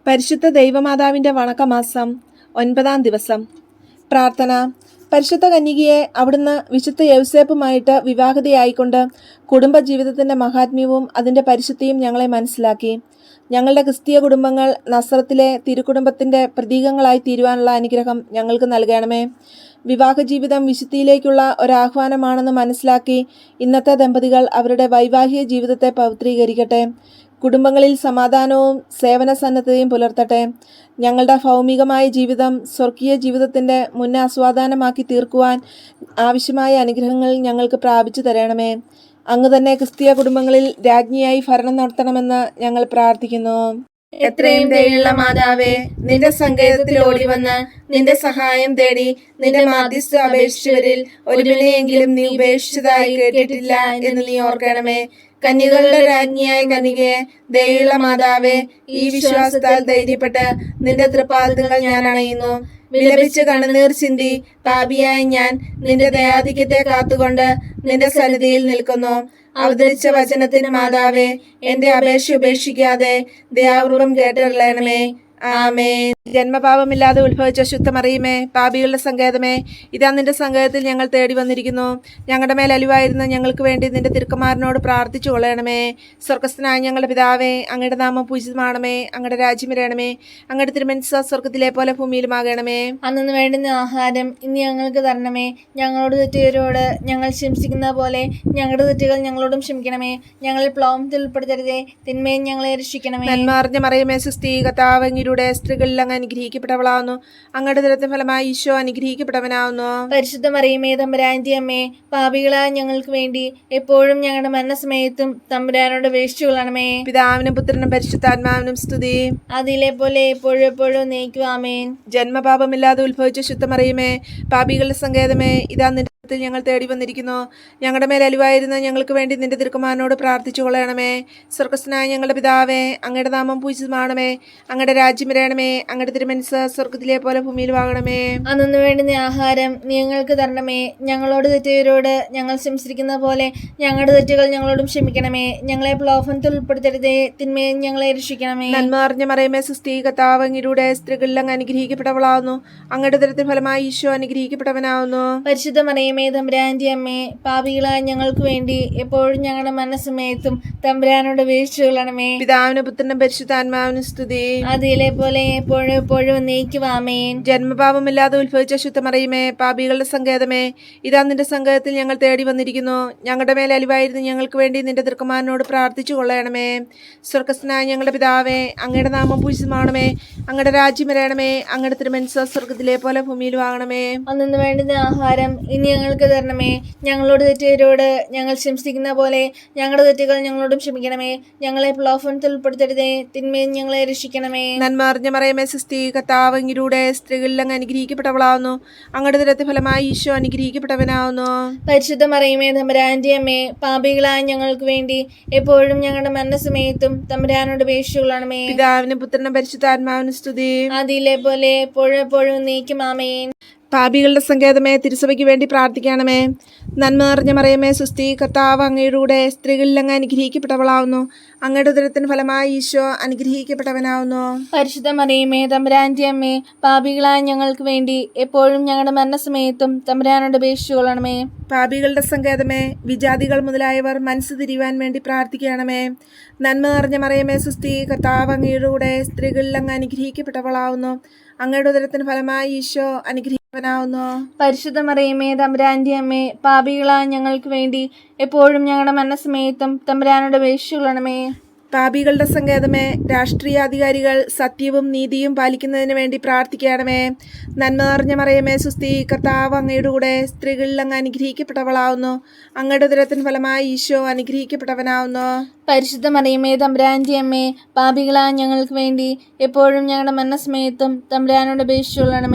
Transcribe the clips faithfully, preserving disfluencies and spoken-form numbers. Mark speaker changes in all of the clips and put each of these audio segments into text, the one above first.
Speaker 1: പരിശുദ്ധ ദൈവമാതാവിൻ്റെ വണക്കമാസം ഒൻപതാം ദിവസം. പ്രാർത്ഥന. പരിശുദ്ധ കന്യകയെ അവിടുന്ന് വിശുദ്ധ യൗസേപ്പുമായിട്ട് വിവാഹിതയായിക്കൊണ്ട് കുടുംബജീവിതത്തിൻ്റെ മഹാത്മ്യവും അതിൻ്റെ പരിശുദ്ധിയും ഞങ്ങളെ മനസ്സിലാക്കി. ഞങ്ങളുടെ ക്രിസ്തീയ കുടുംബങ്ങൾ നസ്രത്തിലെ തിരുക്കുടുംബത്തിൻ്റെ പ്രതീകങ്ങളായി തീരുവാനുള്ള അനുഗ്രഹം ഞങ്ങൾക്ക് നൽകണമേ. വിവാഹ ജീവിതം വിശുദ്ധിയിലേക്കുള്ള ഒരാഹ്വാനമാണെന്ന് മനസ്സിലാക്കി ഇന്നത്തെ ദമ്പതികൾ അവരുടെ വൈവാഹിക ജീവിതത്തെ പവിത്രീകരിക്കട്ടെ. കുടുംബങ്ങളിൽ സമാധാനവും സേവന സന്നദ്ധതയും പുലർത്തട്ടെ. ഞങ്ങളുടെ ഭൗമികമായ ജീവിതം സ്വർഗീയ ജീവിതത്തിൻ്റെ മുന്നാസ്വാദനമാക്കി തീർക്കുവാൻ ആവശ്യമായ അനുഗ്രഹങ്ങൾ ഞങ്ങൾക്ക് പ്രാപിച്ചു തരണമേ. അങ്ങ് തന്നെ ക്രിസ്തീയ കുടുംബങ്ങളിൽ രാജ്ഞിയായി ഭരണം നടത്തണമെന്ന് ഞങ്ങൾ പ്രാർത്ഥിക്കുന്നു.
Speaker 2: എത്രയും ദയുള്ള മാതാവേ, നിന്റെ സങ്കേതത്തിൽ ഓടി വന്ന് നിന്റെ സഹായം തേടി നിന്റെ മാധ്യസ്ഥ അപേക്ഷിച്ചവരിൽ ഒരുവിനെയെങ്കിലും നീ ഉപേക്ഷിച്ചതായി കേട്ടിട്ടില്ല എന്ന് നീ ഓർക്കണമേ. കന്യകളുടെ രാജ്ഞിയായ കന്യകയെ, ദയുള്ള മാതാവേ, ഈ വിശ്വാസത്താൽ ധൈര്യപ്പെട്ട് നിന്റെ തൃപ്പാദങ്ങൾ ഞാൻ അണയുന്നു. വിലപിച്ച് കണ്ണുനീർ ചിന്തി പാപിയായ ഞാൻ നിന്റെ ദയാധിക്യത്തെ കാത്തുകൊണ്ട് നിന്റെ സന്നിധിയിൽ നിൽക്കുന്നു. അവതരിച്ച വചനത്തിന് മാതാവേ, എന്റെ അപേക്ഷ ഉപേക്ഷിക്കാതെ ദയാപൂർവം കേട്ടറിയണമേ. ആമേൻ.
Speaker 1: ജന്മപാപമില്ലാതെ ഉത്ഭവിച്ച ശുദ്ധമറിയുമേ, പാപികളുടെ സങ്കേതമേ, ഇതാ നിന്റെ സങ്കേതത്തിൽ ഞങ്ങൾ തേടി വന്നിരിക്കുന്നു. ഞങ്ങളുടെ മേൽ അലിവായിരുന്ന ഞങ്ങൾക്ക് വേണ്ടി നിന്റെ തിരുക്കുമാരനോട് പ്രാർത്ഥിച്ചു കൊള്ളണമേ. സ്വർഗസ്ഥനായ ഞങ്ങളുടെ പിതാവേ, അങ്ങയുടെ നാമം പൂജിതമാണമേ. അങ്ങയുടെ രാജ്യം വരണമേ. അങ്ങയുടെ തിരുമനസ്സ് സ്വർഗത്തിലെ പോലെ ഭൂമിയിലുമാകണമേ.
Speaker 2: അന്നു വേണ്ടുന്ന ആഹാരം ഇന്ന് ഞങ്ങൾക്ക് തരണമേ. ഞങ്ങളോട് തെറ്റുകാരോട് ഞങ്ങൾ ക്ഷമിക്കുന്ന പോലെ ഞങ്ങളുടെ തെറ്റുകൾ ഞങ്ങളോടും ക്ഷമിക്കണമേ. ഞങ്ങളെ പ്ലോമത്തിൽ ഉൾപ്പെടുത്തരുതേ, തിന്മയും ഞങ്ങളെ രക്ഷിക്കണമേ.
Speaker 1: നന്മ അറിഞ്ഞ മറിയമേ, സുസ്ഥീ കർത്താവങ്ങിലൂടെ സ്ത്രീകളിൽ അങ്ങ് അനുഗ്രഹിക്കപ്പെട്ടവളാവുന്നു. അങ്ങയുടെ ദുരത്തിന് ഫലമായി ഈശോ അനുഗ്രഹിക്കപ്പെട്ടവനാവുന്നു.
Speaker 2: പരിശുദ്ധ മറിയമേ, തമ്പുരാന്റെ അമ്മേ, പാപികളായ ഞങ്ങൾക്ക് വേണ്ടി എപ്പോഴും ഞങ്ങളുടെ മരണസമയത്തും തമ്പുരാനോട് അപേക്ഷിച്ചുകൊള്ളണമേ.
Speaker 1: പിതാവിനും പുത്രനും പരിശുദ്ധാത്മാവിനും സ്തുതി.
Speaker 2: അതിലെ പോലെ എപ്പോഴും എപ്പോഴും നയിക്കും. ആമേൻ.
Speaker 1: ജന്മപാപമില്ലാതെ ഉത്ഭവിച്ച ശുദ്ധമറിയമേ, പാപികളുടെ സങ്കേതമേ, ഇതാ നിന്റെ ഞങ്ങൾ തേടി വന്നിരിക്കുന്നു. ഞങ്ങളുടെ മേൽ അലിവായിരുന്ന ഞങ്ങൾക്ക് വേണ്ടി നിന്റെ തിരുക്കുമാരനോട് പ്രാർത്ഥിച്ചു കൊള്ളണമേ. സ്വർഗസ്ഥനായ ഞങ്ങളുടെ പിതാവേ, അങ്ങയുടെ നാമം പൂജിതമാണമേ. അങ്ങയുടെ രാജ്യം വരണമേ. അങ്ങയുടെ തിരുമനസ്സ് സ്വർഗത്തിലെ പോലെ ഭൂമിയിലുമാകണമേ.
Speaker 2: അന്നു വേണ്ടുന്ന ആഹാരം ഞങ്ങൾക്ക് തരണമേ. ഞങ്ങളോട് തെറ്റുകാരോട് ഞങ്ങൾ ക്ഷമിച്ചിരിക്കുന്ന പോലെ ഞങ്ങളുടെ തെറ്റുകൾ ഞങ്ങളോടും ക്ഷമിക്കണമേ. ഞങ്ങളെ പ്രലോഭനത്തിൽ ഉൾപ്പെടുത്തരുതേ, തിന്മയും ഞങ്ങളെ രക്ഷിക്കണമേ.
Speaker 1: നന്മ അറിഞ്ഞ മറിയമേ, സുസ്ഥീ കർത്താവങ്ങിലൂടെ സ്ത്രീകളിൽ അങ്ങ് അനുഗ്രഹിക്കപ്പെട്ടവളാവുന്നു. അങ്ങയുടെ ദുരത്തിന് ഫലമായി ഈശോ അനുഗ്രഹിക്കപ്പെട്ടവനാവുന്നു.
Speaker 2: പരിശുദ്ധ മറിയമേ, തമ്പുരാന്റെ അമ്മേ, പാപികളായ ഞങ്ങൾക്ക് വേണ്ടി എപ്പോഴും ഞങ്ങളുടെ മരണസമയത്തും തമ്പുരാനോട് അപേക്ഷിച്ചു കൊള്ളണമേ.
Speaker 1: പിതാവിനും പുത്രനും പരിശുദ്ധാത്മാവിനും സ്തുതി.
Speaker 2: അതിലെ പോലെ എപ്പോഴും എപ്പോഴും നയിക്കും. ആമേൻ.
Speaker 1: ജന്മപാപമില്ലാതെ ഉത്ഭവിച്ച ശുദ്ധമറിയമേ, പാപികളുടെ സങ്കേതമേ, ഇതാ നിന്റെ സങ്കേതത്തിൽ ഞങ്ങൾ തേടി വന്നിരിക്കുന്നു. ഞങ്ങളുടെ മേൽ അലിവായിരുന്നു ഞങ്ങൾക്ക് വേണ്ടി നിന്റെ തിരുക്കുമാരനോട് പ്രാർത്ഥിച്ചു കൊള്ളണമേ. സ്വർഗസ്ഥനായ ഞങ്ങളുടെ പിതാവേ, അങ്ങയുടെ നാമം പൂജിതമാണമേ. അങ്ങയുടെ രാജ്യം വരണമേ. അങ്ങയുടെ തിരുമനസ്സ് സ്വർഗത്തിലെ പോലെ ഭൂമിയിലും ആകണമേ.
Speaker 2: അന്നു വേണ്ടുന്ന ആഹാരം ഇനി ഞങ്ങൾക്ക് തരണമേ. ഞങ്ങളോട് തെറ്റുകാരോട് ഞങ്ങൾ ക്ഷമിച്ചിരിക്കുന്ന പോലെ ഞങ്ങളുടെ തെറ്റുകൾ ഞങ്ങളോടും ക്ഷമിക്കണമേ. ഞങ്ങളെ പ്രലോഭനത്തിൽ ഉൾപ്പെടുത്തരുതേ, തിന്മയും ഞങ്ങളെ രക്ഷിക്കണമേ.
Speaker 1: നന്മ അറിഞ്ഞ മറിയമേ, സുസ്ഥീ കർത്താവങ്ങിലൂടെ സ്ത്രീകളിൽ അങ്ങ് അനുഗ്രഹിക്കപ്പെട്ടവളാവുന്നു. അങ്ങയുടെ ദുരത്തിന് ഫലമായി ഈശോ അനുഗ്രഹിക്കപ്പെട്ടവനാവുന്നു.
Speaker 2: പരിശുദ്ധ മറിയമേ, തമ്പുരാന്റെ അമ്മേ, പാപികളായ ഞങ്ങൾക്ക് വേണ്ടി എപ്പോഴും ഞങ്ങളുടെ മരണസമയത്തും തമ്പുരാനോട് അപേക്ഷിച്ചു കൊള്ളണമേ.
Speaker 1: പിതാവിനും പുത്രനും പരിശുദ്ധാത്മാവിനും സ്തുതി.
Speaker 2: അതിലെ പോലെ എപ്പോഴും എപ്പോഴും നയിക്കും. ആമേൻ.
Speaker 1: പാപികളുടെ സങ്കേതമേ, തിരുസഭയ്ക്ക് വേണ്ടി പ്രാർത്ഥിക്കണമേ. നന്മ നിറഞ്ഞ മറിയമേ, സുസ്ഥീ കർത്താവ് അങ്ങയുടെ സ്ത്രീകളിൽ അങ്ങ് അനുഗ്രഹിക്കപ്പെട്ടവളാവുന്നു. അങ്ങയുടെ ഉദരത്തിന് ഫലമായി ഈശോ അനുഗ്രഹിക്കപ്പെട്ടവനാവുന്നു.
Speaker 2: പരിശുദ്ധ മറിയമേ, തമ്പുരാന്റെ അമ്മേ, പാപികളായ ഞങ്ങൾക്ക് വേണ്ടി എപ്പോഴും ഞങ്ങളുടെ മരണസമയത്തും തമ്പുരാനോട് അപേക്ഷിച്ചു കൊള്ളണമേ.
Speaker 1: പാപികളുടെ സങ്കേതമേ, വിജാതികൾ മുതലായവർ മനസ്സ് തിരിയുവാൻ വേണ്ടി പ്രാർത്ഥിക്കണമേ. നന്മ നിറഞ്ഞ മറിയമേ, സുസ്ഥീ കർത്താവ് അങ്ങയുടെ സ്ത്രീകളിൽ അങ്ങ് അനുഗ്രഹിക്കപ്പെട്ടവളാവുന്നു. അങ്ങയുടെ ഉദരത്തിന് ഫലമായി ഈശോ അനുഗ്രഹിക്കവനാവുന്നു.
Speaker 2: പരിശുദ്ധ മറിയമേ, തമ്പുരാന്റെ അമ്മേ, പാപികളായ ഞങ്ങൾക്ക് വേണ്ടി എപ്പോഴും ഞങ്ങളുടെ മരണസമയത്തും തമ്പുരാനോട് അപേക്ഷിച്ചു കൊള്ളണമേ.
Speaker 1: പാപികളുടെ സങ്കേതമേ, രാഷ്ട്രീയാധികാരികൾ സത്യവും നീതിയും പാലിക്കുന്നതിന് വേണ്ടി പ്രാർത്ഥിക്കണമേ. നന്മ നിറഞ്ഞ മറിയമേ, സുസ്ഥീ കർത്താവ് അങ്ങയുടെ കൂടെ സ്ത്രീകളിൽ അങ്ങ് അനുഗ്രഹിക്കപ്പെട്ടവളാവുന്നു. അങ്ങയുടെ ഉദരത്തിന് ഫലമായി ഈശോ അനുഗ്രഹിക്കപ്പെട്ടവനാവുന്നു.
Speaker 2: പരിശുദ്ധ മറിയമേ, തമ്പുരാന്റെ അമ്മേ, പാപികളായ ഞങ്ങൾക്ക് വേണ്ടി എപ്പോഴും ഞങ്ങളുടെ മരണസമയത്തും തമ്പുരാനോട് അപേക്ഷിച്ചു കൊള്ളണമേ.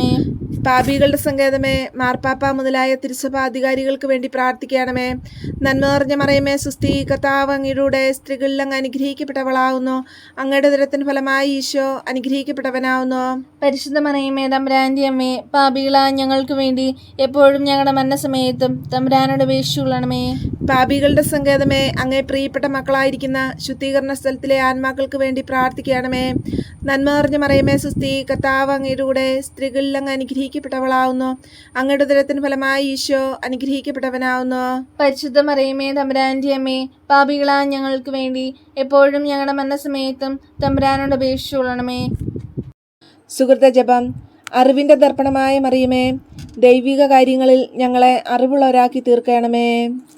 Speaker 1: പാപികളുടെ സങ്കേതമേ, മാർപ്പാപ്പ മുതലായ തിരുസഭാധികാരികൾക്ക് വേണ്ടി പ്രാർത്ഥിക്കണമേ. നന്മ നിറഞ്ഞ മറിയമേ സുസ്തി, കർത്താവ് അങ്ങയുടെ സ്ത്രീകളിൽ അങ്ങ് അനുഗ്രഹിക്കപ്പെട്ടവളാവുന്നു. അങ്ങയുടെ ഉദരത്തിൻ ഫലമായി ഈശോ അനുഗ്രഹിക്കപ്പെട്ടവനാവുന്നു.
Speaker 2: പരിശുദ്ധ മറിയമേ തമ്പുരാന്റെ അമ്മേ, പാപികളായ ഞങ്ങൾക്ക് വേണ്ടി എപ്പോഴും ഞങ്ങളുടെ മരണസമയത്തും തമ്പുരാനോട് അപേക്ഷിച്ചുകൊള്ളണമേ.
Speaker 1: പാപികളുടെ സങ്കേതമേ, അങ്ങേ പ്രിയപ്പെട്ട മക്കളായിരിക്കുന്ന ശുദ്ധീകരണ സ്ഥലത്തിലെ ആത്മാക്കൾക്ക് വേണ്ടി പ്രാർത്ഥിക്കണമേ. നന്മ നിറഞ്ഞ മറിയമേ സുസ്തി, കർത്താവ് അങ്ങയുടെ കൂടെ സ്ത്രീകളിൽ അങ്ങ് അനുഗ്രഹിക്കപ്പെട്ടവളാവുന്നു. അങ്ങയുടെ ഉദരത്തിന് ഫലമായി ഈശോ അനുഗ്രഹിക്കപ്പെട്ടവനാവുന്നു.
Speaker 2: പരിശുദ്ധ മറിയമേ തമ്പുരാന്റെ അമ്മേ, പാപികളായ ഞങ്ങൾക്ക് വേണ്ടി എപ്പോഴും ഞങ്ങളുടെ മരണസമയത്തും തമ്പുരാനോട് അപേക്ഷിച്ചുകൊള്ളണമേ.
Speaker 1: സുഹൃത ജപം. അറിവിൻ്റെ ദർപ്പണമായ മറിയമേ, ദൈവിക കാര്യങ്ങളിൽ ഞങ്ങളെ അറിവുള്ളവരാക്കി തീർക്കണമേ.